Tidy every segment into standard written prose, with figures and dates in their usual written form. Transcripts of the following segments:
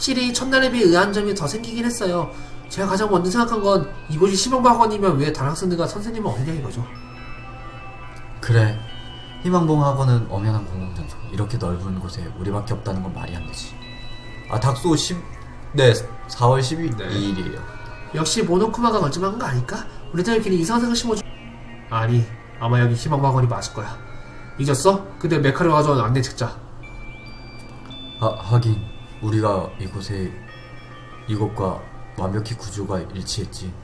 확실히 첫날에 비해 의아한 점이 더 생기긴 했어요. 제가 가장 먼저 생각한 건 이곳이 희망학원이면 왜 다른 학생들과 선생님은 없냐 이거죠. 그래, 희망봉 학원은 엄연한 공공장소. 이렇게 넓은 곳에 우리밖에 없다는 건 말이 안 되지. 아, 닥소 4월 12일이에요. 역시 모노쿠마가 걸침한 거 아닐까? 우리들끼리 이상한 생각 심어주... 아니, 아마 여기 희망학원이 맞을 거야. 잊었어? 그때 메카를 가져온 안내 책자. 하긴 우리가 이곳과 완벽히 구조가 일치했지.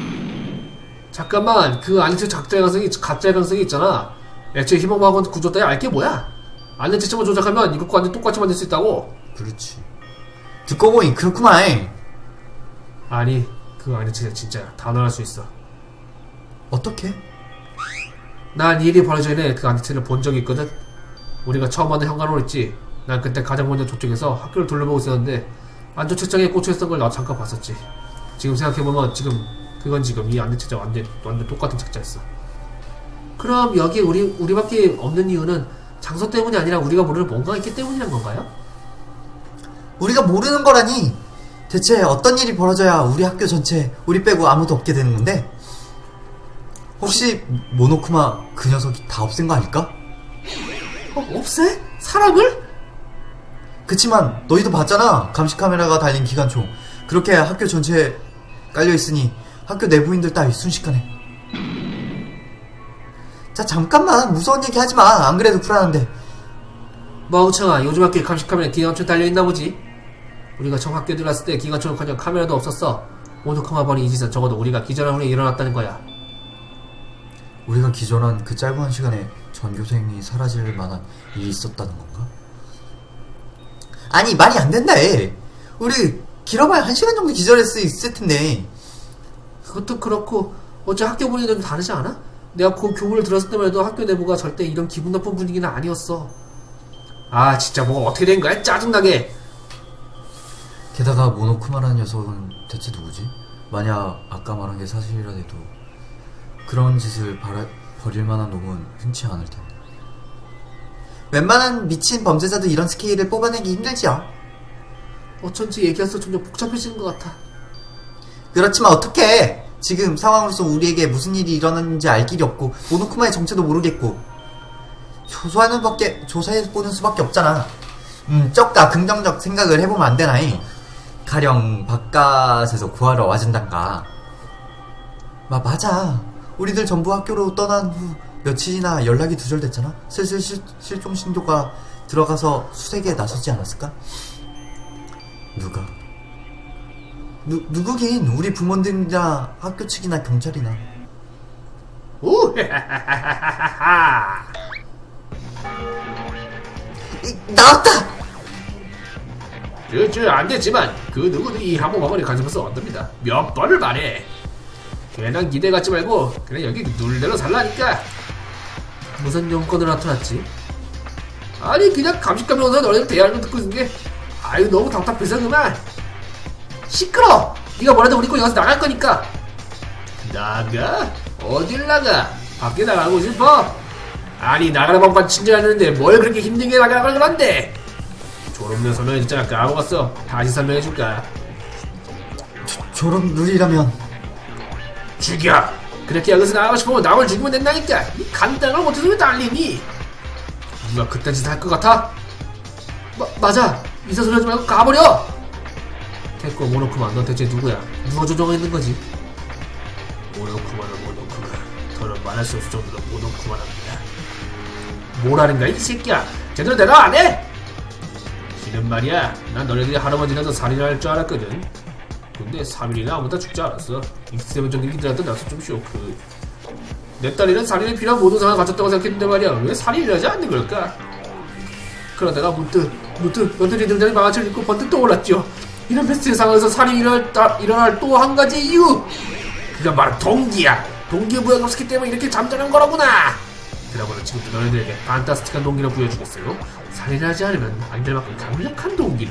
잠깐만, 그 안내책 가짜 가능성이 있잖아. 애초에 희망학원 구조 따위 알게 뭐야? 안내 책자만 조작하면 이것과 완전 똑같이 만들 수 있다고. 그렇지. 듣고 보니 그렇구만. 아니, 그 안내 책자 진짜야. 단언할 수 있어. 어떻게? 난 이 일이 벌어지기 전에 그 안내 책을 본 적이 있거든. 우리가 처음 만든 현관으로 있지. 난 그때 가장 먼저 저쪽에서 학교를 둘러보고 있었는데 안쪽 책장에 꽂혀있던 걸 나 잠깐 봤었지. 지금 생각해보면 그건 이 안내 책자 완전 똑같은 책자였어. 그럼 여기 우리밖에 없는 이유는 장소 때문이 아니라 우리가 모르는 뭔가가 있기 때문이란 건가요? 우리가 모르는 거라니. 대체 어떤 일이 벌어져야 우리 학교 전체 우리 빼고 아무도 없게 되는 건데? 혹시 모노쿠마 그 녀석이 다 없앤 거 아닐까? 없애? 사람을? 그치만 너희도 봤잖아. 감시 카메라가 달린 기관총. 그렇게 학교 전체에 깔려있으니 학교 내부인들 따위 순식간에. 자, 잠깐만 무서운 얘기 하지마. 안 그래도 불안한데. 멍청아, 요즘 학교에 감시 카메라에 기관총 달려있나 보지. 우리가 처음 학교에 들어갔을 때 기관총은커녕 카메라도 없었어. 모노쿠마 버니 이 짓은 적어도 우리가 기절한 후에 일어났다는 거야. 우리가 기절한 그 짧은 시간에 전교생이 사라질 만한 일이 있었다는 건가? 아니, 말이 안 된다 해. 우리 길어봐야 1시간 정도 기절할 수 있을 텐데. 그것도 그렇고 어째 학교 분위기가 좀 다르지 않아? 내가 그 교문을 들었을 때만 해도 학교 내부가 절대 이런 기분 나쁜 분위기는 아니었어. 아, 진짜 뭐가 어떻게 된 거야? 짜증나게. 게다가 모노쿠마라는 녀석은 대체 누구지? 만약 아까 말한 게 사실이라도 그런 짓을 벌일 만한 놈은 흔치 않을 텐데. 웬만한 미친 범죄자도 이런 스케일을 뽑아내기 힘들지요. 어쩐지 얘기할수록 점점 복잡해지는 것 같아. 그렇지만 어떡해. 지금 상황으로서 우리에게 무슨 일이 일어났는지 알 길이 없고 모노쿠마의 정체도 모르겠고 조사해보는 수밖에 없잖아. 쪽가 긍정적 생각을 해보면 안 되나이. 가령 바깥에서 구하러 와준단가. 맞아. 우리들 전부 학교로 떠난 후 며칠이나 연락이 두절됐잖아. 슬슬 실종 신고가 들어가서 수색에 나서지 않았을까? 누가? 누구긴 우리 부모님이나 학교 측이나 경찰이나. 오, 나왔다! 안 됐지만 그 누구도 이 항공학원에 관심없어 얻습니다. 몇 번을 말해. 괜한 기대 갖지 말고 그냥 여기 눌대로 살라니까. 무슨 용건으로 나타났지? 아니, 그냥 감식감이 오서 너네들 대화를 듣고 있는 게 아유 너무 답답해서 그만. 시끄러! 네가 뭐라도 우리 거 여기서 나갈 거니까. 나가? 어딜 나가? 밖에 나가고 싶어? 아니, 나가는 방법 친절하는데 뭘 그렇게 힘들게 나가라고 그런데. 졸업료 설명해 줬잖아. 까먹었어. 다시 설명해줄까? 졸업 룰이라면 죽여! 그렇게 여기서 나가고 싶으면 남을 죽이면 된다니까. 이 간단한 걸 못해서 왜 난리니? 누가 그딴 짓을 할 것 같아? 맞아. 이사 소리 하지 말고 가버려! 됐고, 모노쿠마, 넌 대체 누구야? 누가 조종했는 거지? 모노쿠마는 더는 말할 수 없을 정도로 모노쿠마랍니다. 뭐라는가 이 새끼야? 제대로 대답 안 해? 지는 말이야. 난 너네들이 할아버지라도 살인을 할 줄 알았거든. 근데 3일이나 아무도 죽지 않았어. 익스트레면 정도 기다렸던 나서 좀 쇼크. 내 딸이는 살인에 필요한 모든 상황을 갖췄다고 생각했는데 말이야. 왜 살인을 하지 않는 걸까? 그러다가 문득 너들이 등장이 망아치를 입고 번뜩 떠올랐죠. 이런 패스트의 상황에서 살인이 일어날 또 한 가지 이유! 그건 바로 동기야. 동기부여가 없었기 때문에 이렇게 잠잠한 거라구나. 그러고는 지금부터 너희들에게 판타스틱한 동기를 부여주겠어요. 살인을 하지 않으면 안 될 만큼 강력한 동기를.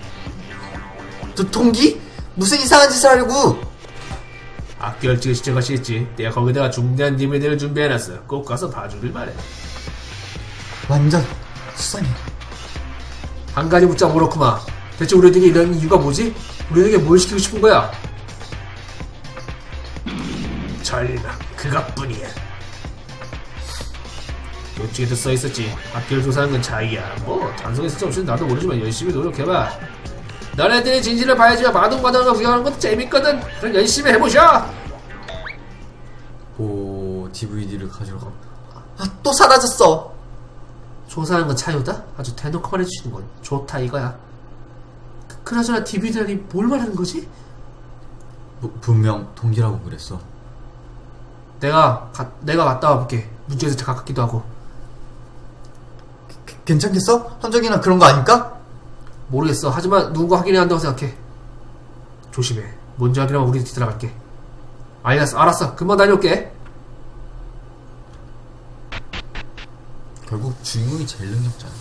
동기? 무슨 이상한 짓을 하려고? 학교 일찍 시작하시겠지. 내가 거기다가 중대한 디메디를 준비해놨어. 꼭 가서 봐주길 바래. 완전 수상해. 한 가지 묻자 모로쿠마. 대체 우리에게 이런 이유가 뭐지? 우리에게 뭘 시키고 싶은 거야? 전략 그것뿐이야. 요쪽에도 써있었지. 학교를 조사하는 건 자기야. 뭐 단성의 수치 없이는 나도 모르지만 열심히 노력해봐. 너네들이 진실을 봐야지만 마동마동을 구경하는 것도 재밌거든. 그럼 열심히 해보셔. 오, DVD를 가져가. 아, 또 사라졌어. 조사하는 건 차유다? 아주 대놓고 말해주시는 건 좋다 이거야. 그나저나 DVD라니 뭘 말하는 거지? 분명 동기라고 그랬어. 내가 갔다 와볼게. 문제에서 가깝기도 하고. 괜찮겠어? 함정이나 그런 거 아닐까? 모르겠어. 하지만 누군가 확인해야 한다고 생각해. 조심해. 뭔지 확인하면 우리 뒤따라갈게. 알았어. 금방 다녀올게. 결국 주인공이 제일 능력자야.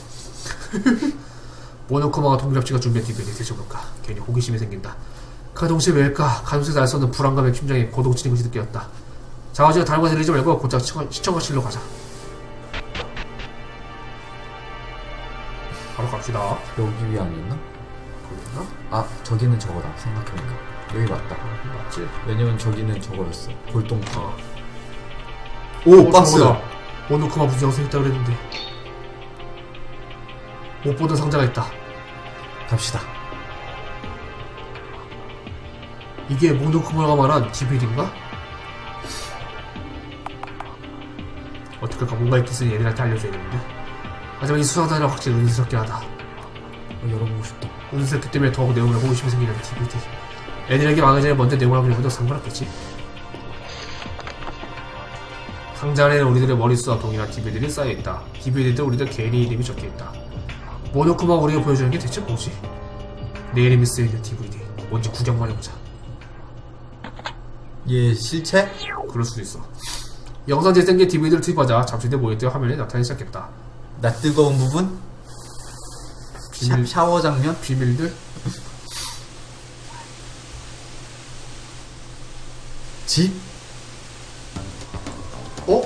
모노코마가 동기랍시가 준비한 DVD 대체볼까. 괜히 호기심이 생긴다. 그 동시에 왜일까? 가슴속에서 알 수 없는 불안감에 심장에 고동치는 것이 느껴졌다. 자화지가 다른 곳에 들리지 말고 곧장 시청거실로 가자. 바로 갑시다. 여기 위 아니었나? 거기나? 아, 저기는 저거다. 생각해보니까 여기 맞다. 맞지? 왜냐면 저기는 저거였어. 골동품. 오, 박스. 저거다. 모노코마 무슨 영상이 있다고 그랬는데 못 보던 상자가 있다. 갑시다. 이게 모노코마가 말한 DVD인가? 어떡할까. 뭔가 있겠으니 얘들한테 알려줘야겠는데. 하지만 이 수상자는 확실히 은스럽긴 하다. 열어보고 싶다. 은스럽기 때문에 더욱 내용을 호기심이 생기는 DVD. 애들에게 망하기 전에 먼저 내용을 확인해봐도 상관없겠지. 상자 안에는 우리들의 머릿수와 동일한 DVD들이 쌓여있다. DVD도 우리들 개인의 이름이 적혀있다. 모노코마가 우리가 보여주는 게 대체 뭐지? 내 이름이 쓰여있는 DVD. 뭔지 구경만 해보자. 얘 실체? 그럴 수도 있어. 영상 재생기에 DVD를 투입하자 잠시대 모니터 화면에 나타나기 시작했다. 나 뜨거운 부분? 비밀, 샤워 장면? 비밀들? 집? 어?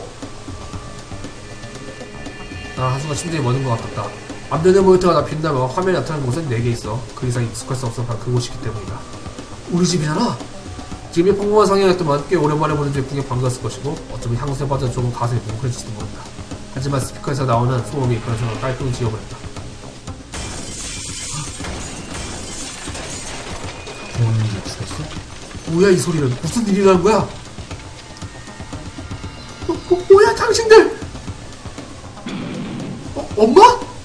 나 한순간 심장이 멎는 것 같았다. 앞면의 모니터가 나 빛나며 화면에 나타나는 곳은 4개 있어. 그 이상 익숙할 수 없어. 바로 그곳이기 때문이다. 우리 집이잖아? 집이 평범한 상황이었지만 꽤 오랜만에 보는 집 구경 반가웠을 것이고 어쩌면 향수에 빠져 조금 가슴이 뭉클해질지도 모른다. 하지만 스피커에서 나오는 소음이 그나저나 깔끔히 지워버렸다. 부모님이 죽었어? 뭐야 이 소리는. 무슨 일이 나는 거야? 뭐야 당신들? 엄마?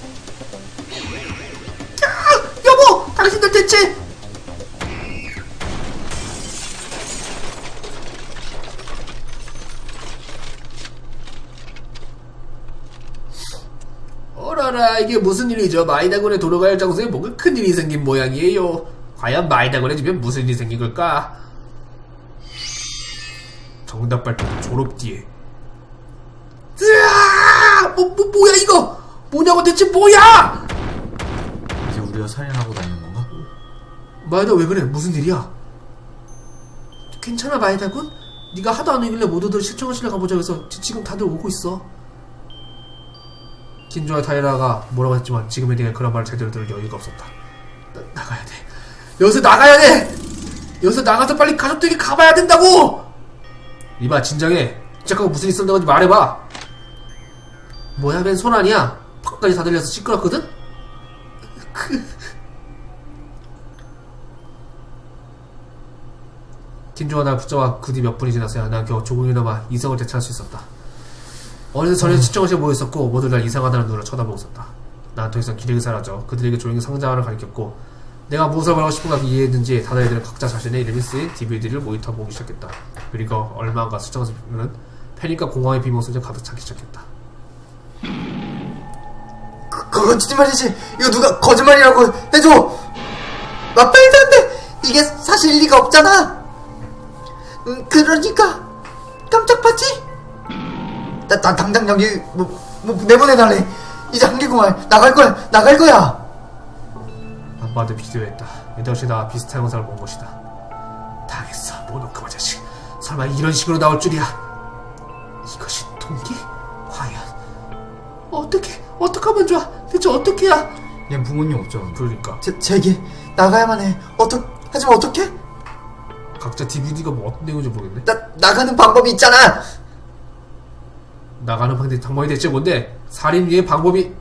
야, 여보! 당신들 대체? 어라라, 이게 무슨 일이죠? 마이다곤에 돌아갈 장소에 뭔가 큰일이 생긴 모양이에요. 과연 마이다곤에 집엔 무슨 일이 생긴 걸까? 정답 발표 졸업 뒤에. 으아! 뭐야 이거? 뭐냐고 대체 뭐야? 이제 우리가 살인하고 다니는 건가? 마이다 왜 그래? 무슨 일이야? 괜찮아 마이다군? 네가 하도 안 오길래 모두들 시청하실래 가보자 해서 지금 다들 오고 있어. 긴조와 타이라가 뭐라고 했지만 지금의 내가 그런 말을 제대로 들을 여유가 없었다. 나가야 돼. 여기서 나가야 돼. 여기서 나가서 빨리 가족들에게 가봐야 된다고. 이봐 진정해. 잠깐 무슨 일 있었던 건지 말해봐. 뭐야 맨 손 아니야? 팍까지 다 들려서 시끄럽거든? 긴조가 날 붙잡아 그 뒤 몇 분이 지났어야 난 겨우 조금이나마 이성을 되찾을 수 있었다. 어느새 전에 시청실에 모여있었고 모두 날 이상하다는 눈으로 쳐다보고 있었다. 난 더 이상 기력이 사라져 그들에게 조용히 상자 하나를 가리켰고 내가 무엇을 말하고 싶은가 이해했는지 다른 애들은 각자 자신의 이름이 쓰인 DVD를 모니터 보기 시작했다. 그리고 얼마 안가 수정실은 패닉과 공황의 비몽소리가 가득 차기 시작했다. 거짓말이지. 이거 누가 거짓말이라고 해줘. 말도 안 돼. 이게 사실 리가 없잖아. 그러니까 깜짝봤지? 나 당장 여기 내보내달래. 이제 한계구만. 나갈 거야. 안 봐도 비디오였다. 이것이 나 비슷한 영상을 본 것이다. 당했어 모노코마 자식. 설마 이런 식으로 나올 줄이야. 이것이 동기? 과연 어떻게 하면 좋아? 대체 어떻게 해야? 얘 부모님 없죠. 그러니까 제기 나가야만 해. 하지만 어떡해? 각자 DVD가 뭐 어떤 내용인지 모르겠네. 나가는 방법이 있잖아. 나가는 방법이 대체 뭔데? 살인 위의 방법이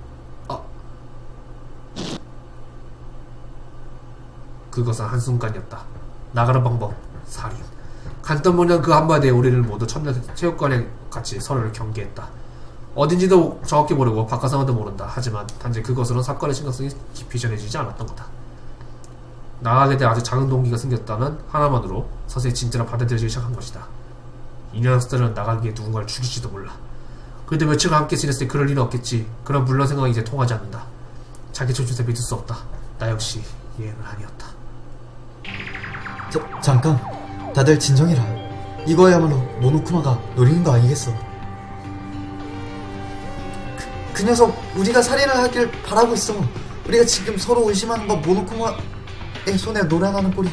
그것은 한순간이었다. 나가는 방법, 살인. 간단모냥 그 한마디에 우리는 모두 첫날 체육관에 같이 서로를 경계했다. 어딘지도 정확히 모르고 바깥 상황도 모른다. 하지만 단지 그것으로는 사건의 심각성이 깊이 전해지지 않았던 거다. 나가게 돼 아주 작은 동기가 생겼다는 하나만으로 서서히 진짜로 받아들여지기 시작한 것이다. 이 녀석들은 나가기에 누군가를 죽일지도 몰라. 그래도 며칠간 함께 지냈을 때 그럴 일은 없겠지. 그런 물론 생각이 이제 통하지 않는다. 자기 조주세 믿을 수 없다. 나 역시 예는 아니었다. 잠깐. 다들 진정해라. 이거야말로 모노쿠마가 노리는 거 아니겠어. 그 녀석 우리가 살인을 하길 바라고 있어. 우리가 지금 서로 의심하는 건 모노쿠마의 손에 노란하는 꼴이.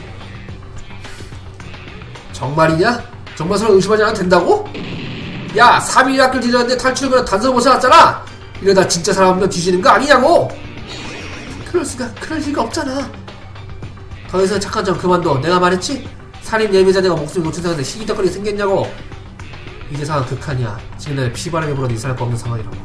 정말이냐? 정말 서로 의심하지 않아도 된다고? 야, 3일 학교를 뒤졌는데 탈출을 단서를 못 찾았잖아. 이러다 진짜 사람들 뒤지는 거 아니냐고. 그럴 리가 없잖아. 더 이상 착한 점 그만둬. 내가 말했지? 살인 예비자네가 목숨을 놓친 상황인데 시기덕거리게 생겼냐고. 이제 상황 극한이야. 지금 내 피바람이 불어도 이상할 거 없는 상황이라고.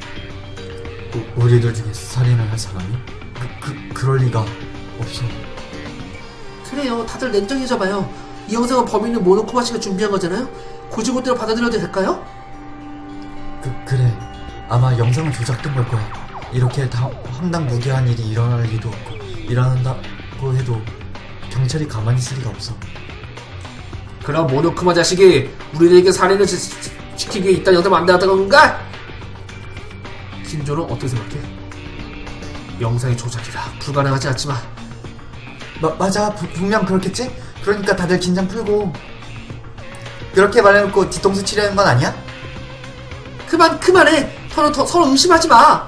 우리들 중에 살인을 할 사람이? 그럴 리가 없어. 그래요. 다들 냉정해져봐요. 이 영상은 범인은 모노쿠마 씨가 준비한 거잖아요? 고지고대로 받아들여도 될까요? 그래. 아마 영상은 조작된 걸 거야. 이렇게 황당무계한 일이 일어날 리도 없고, 일어난다고 해도 경찰이 가만히 있을 리가 없어. 그럼 모노쿠마 자식이 우리들에게 살인을 시키기 위해 이딴 영상 만들었던 건가? 신조는 어떻게 생각해? 영상의 조작이라 불가능하지 않지만. 맞아. 분명 그렇겠지? 그러니까 다들 긴장 풀고. 그렇게 말해놓고 뒤통수 치려는 건 아니야? 그만해. 서로 의심하지 마.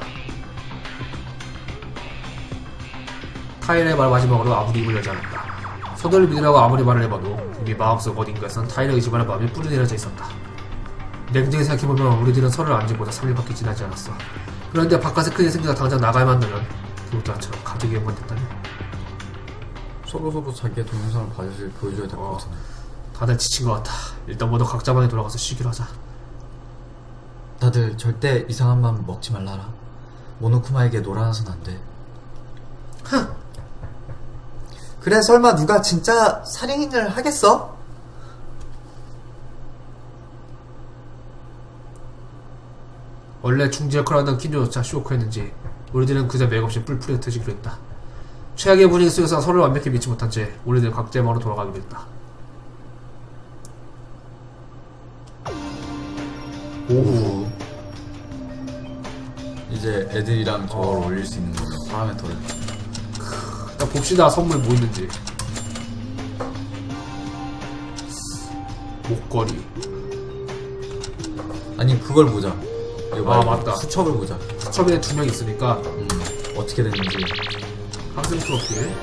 타일의 말 마지막으로 아무리 입을 열지 않았다. 서둘러 믿으라고 아무리 말을 해봐도 우리 마음속 어딘가에선 타일을 의심하는 마음이 뿌리내려져 있었다. 냉정히 생각해보면 우리들은 서로를 안 지보다 3일밖에 지나지 않았어. 그런데 바깥에 큰일 생겨서 당장 나가야만 한다면 그것도 나처럼 가족이 연관됐다니. 서로 자기의 동영상을 보여줘야 될 것 같은데. 다들 지친 것 같아. 일단 모두 각자 방에 돌아가서 쉬기로 하자. 다들 절대 이상한 맘 먹지 말라라. 모노쿠마에게 놀아나선 안 돼. 그래, 설마 누가 진짜 살인을 하겠어? 원래 중지 역할을 하던 킨조조차 쇼크했는지 우리들은 그저 맥없이 뿔뿔이 흩어지기로 했다. 최악의 분위기 속에서 서로를 완벽히 믿지 못한 채 우리들 각자의 방으로 돌아가기로 했다. 오후. 이제 애들이랑 저걸 올릴 수 있는 거죠. 다음에 더. 일단 봅시다. 선물 뭐 있는지. 목걸이. 아니, 그걸 보자. 이거 말고 맞다. 수첩을 보자. 수첩에 2명 있으니까 어떻게 됐는지. 학생 프로필.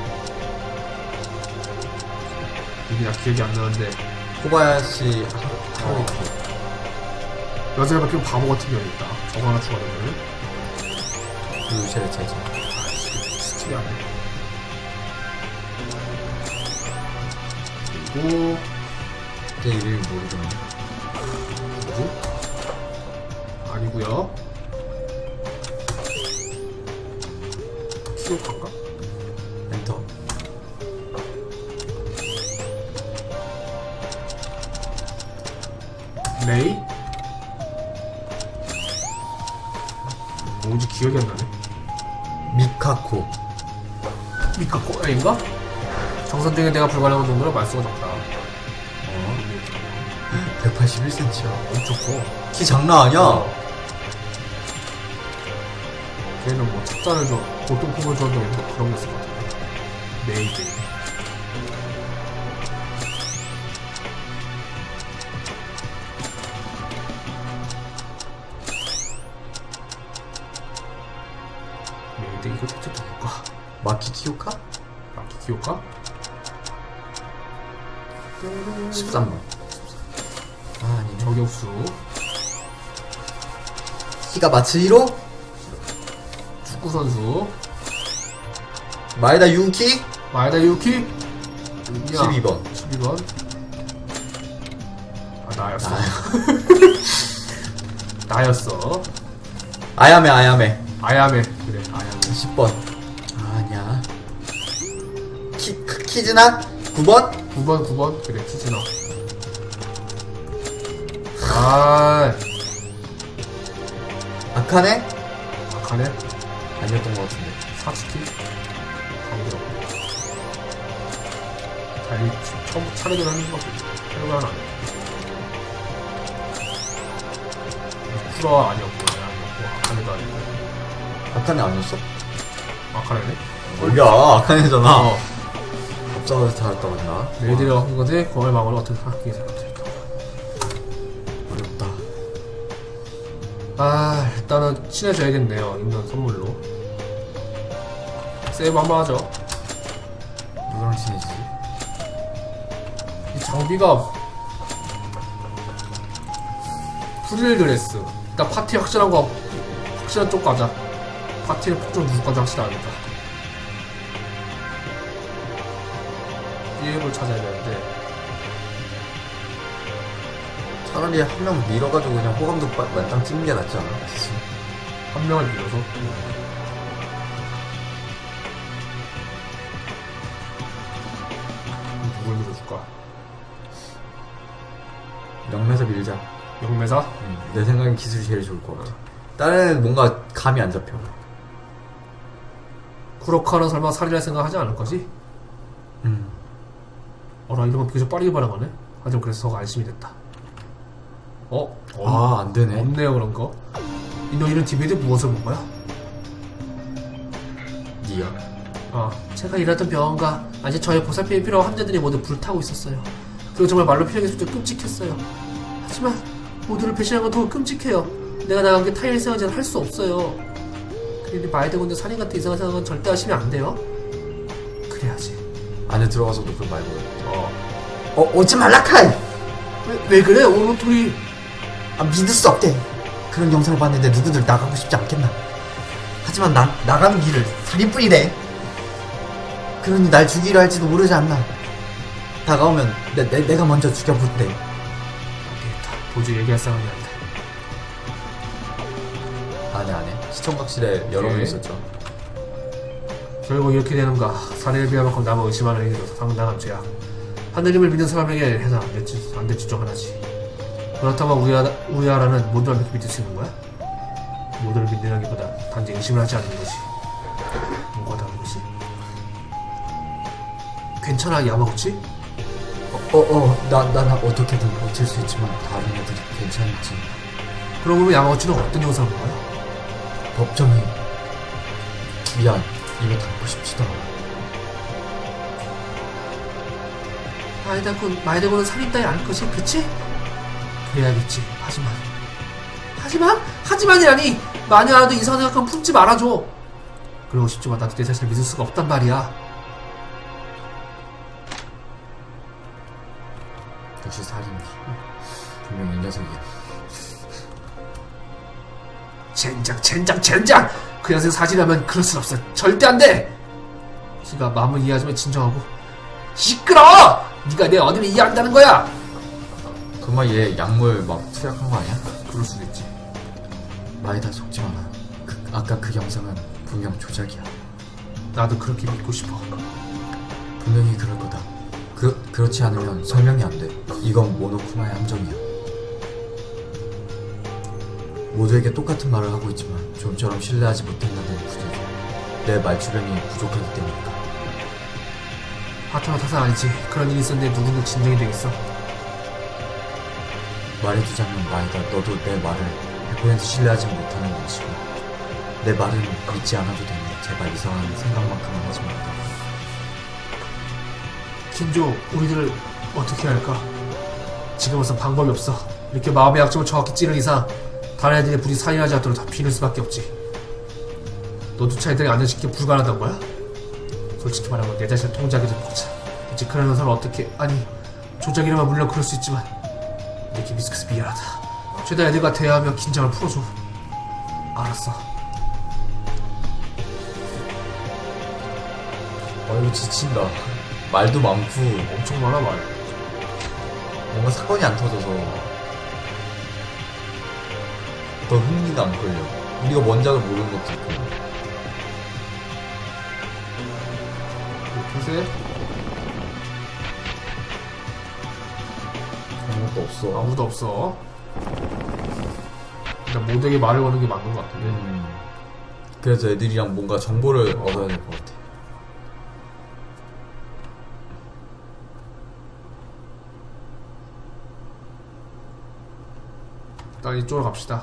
이게 나 기억이 안 나는데 코바야시 하루이키. 여자를 바뀌면 바보 같은 경우 있다. 저거 하나 추가되면 유세 제자. 특이하네. 그리고 내 이름이 모르겠네. 누구? 아니구요. 키오카인가? 엔터. 레이? 뭔지 기억이 안 나네. 미카코. 미카코 A인가? 정선생에 내가 불가능한 정도로 말수가 적다. 181cm야. 엄청 커. 키 장난 아니야. 걔는 뭐 찹쌀을 줘, 보통 품을 줘도 그런 거 있을 것 같은데. 메이드. 메이드 이거 대체 누굴까? 마키 키오카? 마키 키오카? 13번. 아, 아니네. 저격수. 키가 마츠히로? 축구선수. 마에다 유키 마에다 유키 12번. 12번. 아, 나였어. 나였어. 아야메 아야메 아야메. 그래, 아야메. 10번. 아니야. 키즈나 9번. 9번. 그래, 키즈너. 아, 아카네 아카네. 아니었던 것 같은데. 사츠키. 강기로. 달리 처음 차례전 하는 거 차례전 하나 아니야. 쿠라 아니었고, 아카네도 아니고. 아카네 아니었어? 아카네네? 뭐야 아카네잖아. 어. 갑자기 잘했다 그랬나? 메이드가 한 건데, 그걸 마음을 어떻게 하게 생각할까? 어렵다. 아, 일단은 친해져야겠네요. 인간 선물로. 세이브 한번 하죠. 누구랑 친해지지? 이 장비가 프릴 드레스. 일단 파티 확실한 거 확실한 쪽 가자. 파티를 폭좀 누구까지 확실하니까. 비앱을 찾아야 되는데 차라리 한 명 밀어가지고 그냥 호감도 만땅 찍는 게 낫지 않아? 그치? 한 명을 밀어서 누굴 밀어줄까? 영매사 밀자. 영매사? 내 생각엔 기술이 제일 좋을 것 같아. 다른 애는 뭔가 감이 안 잡혀. 쿠로카는 설마 살인할 생각 하지 않을 거지? 나 이런 거 비교적 빠르게 반응하네? 하지만 그래서 더 안심이 됐다. 아, 안 되네. 없네요, 그런 거. 너 이런 디베이트 무엇을 본 거야? 니야. 제가 일하던 병원과 아직 저의 보살핌이 필요한 환자들이 모두 불타고 있었어요. 그리고 정말 말로 표현하기 진짜 끔찍했어요. 하지만 모두를 배신한 건 더 끔찍해요. 내가 나간 게 타인의 생각은 할 수 없어요. 그런데 마에다 군대 살인 같은 이상한 생각은 절대 하시면 안 돼요. 그래야지. 안에 들어가서도 그걸 말고. 오지 말라 카이! 왜 그래? 오늘 둘이 믿을 수 없대. 그런 영상을 봤는데 누구들 나가고 싶지 않겠나. 하지만 나가는 길을 살인뿐이래. 그러니 날 죽이려 할지도 모르지 않나. 다가오면 내가 먼저 죽여부대. 안되겠다. 도저히 얘기할 상황이 아니다. 안해. 시청각실에 여러 명 있었죠. 결국 이렇게 되는가. 살인을 비할 만큼 남을 의심하는 행위로서 상당한 죄악. 하느님을 믿는 사람에게 해서 안 될 중 하나지. 그렇다면 우리아라는 모두를 믿을 수 있는 거야? 모두를 믿는다기보다 단지 의심을 하지 않는 거지. 뭐가 다른 거지? 괜찮아, 야마구치? 난 어떻게든 버틸 수 있지만 다른 애들이 괜찮지. 그럼 보면 야마구치는 어떤 영상인 거야? 법정이 미안. 입에 담고 싶지도 않아. 마에다군은 살인 따위 아닐 것이, 그치? 그래야겠지. 하지만이라니! 만약라도 이상한 생각하면 품지 말아줘. 그러고 싶지만 나도 내 자신을 믿을 수가 없단 말이야. 역시 살인이 분명 이 녀석이야. 젠장! 그 녀석 사진하면 그럴 순 없어. 절대 안 돼! 키가 마음을 이해하지만 진정하고. 시끄러워! 네가 내 어디를 이해한다는 거야! 그만 얘 약물 막 투약한 거 아니야? 그럴 수도 있지. 마에다 속지 마라. 아까 그 영상은 분명 조작이야. 나도 그렇게 믿고 싶어. 분명히 그럴 거다. 그렇지 않으면 설명이 안 돼. 이건 모노쿠마의 함정이야. 모두에게 똑같은 말을 하고 있지만 좀처럼 신뢰하지 못한다는 분위기야. 내 말주변이 부족하기 때문이다. 파트너 탓은 아니지. 그런 일이 있었는데 누구는 진정이 되겠어. 말해두자면 마에다, 너도 내 말을 100% 신뢰하지 못하는 것이고 내 말은 믿지 않아도 되니 제발 이상한 생각만큼은 하지 말자. 긴조, 우리들 어떻게 할까? 지금으로선 방법이 없어. 이렇게 마음의 약점을 정확히 찌른 이상 다른 애들이 부디 살인하지 않도록 다 비는 수밖에 없지. 너조차 애들이 안전시키기 불가능하단 거야? 솔직히 말하면 내 자신을 통제하기 좀 벅차. 대체 그런 녀석을 어떻게... 아니, 조작이라면 물론 그럴 수 있지만 이렇게 미숙해서 미안하다. 최대한 애들과 대화하며 긴장을 풀어줘. 알았어. 이거 지친다. 말도 많고 엄청 많아 말. 뭔가 사건이 안 터져서 더 흥미가 안 끌려. 우리가 원작을 모르는 것도 있고. 글쎄 아무것도 없어. 아무도 없어. 일단 모두에게 말을 거는 게 맞는 것 같은데. 그래서 애들이랑 뭔가 정보를 얻어야 될 것 같아. 일단 이쪽으로 갑시다.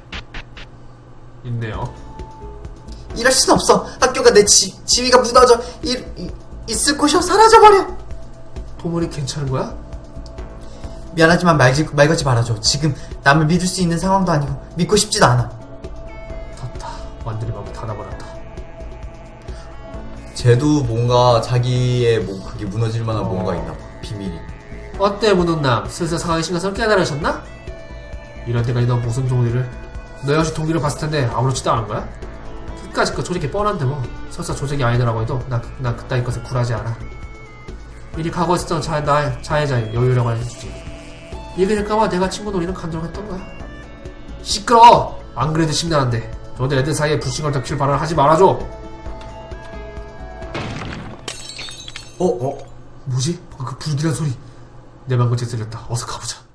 있네요. 이럴 순 없어. 학교가 내 지위가 무너져 있을 곳이 사라져버려. 토모리 괜찮은 거야? 미안하지만 말 걸지 말아줘. 지금 남을 믿을 수 있는 상황도 아니고 믿고 싶지도 않아. 졌다. 완전히 막 닫아버렸다. 쟤도 뭔가 자기의 그게 무너질 만한 뭔가 있나 봐. 비밀이. 어때 무능남? 슬슬 상황의 심각성을 깨달으셨나? 이런 데까지 너 무슨 동리를? 너 역시 동리를 봤을 텐데 아무렇지도 않은 거야? 끝까지 그 조직이 뻔한데 뭐. 설사 조직이 아니더라고 해도 나 그따위 것을 굴하지 않아. 미리 각오했었던 자해자의 여유라고 해주지. 이게 될까봐 내가 친구 놀이는 간절했던 거야. 시끄러워! 안 그래도 심란한데 저도 애들 사이에 불신걸 덮칠 발언을 하지 말아줘. 뭐지? 그 불길한 소리. 내 방금 제 들렸다. 어서 가보자.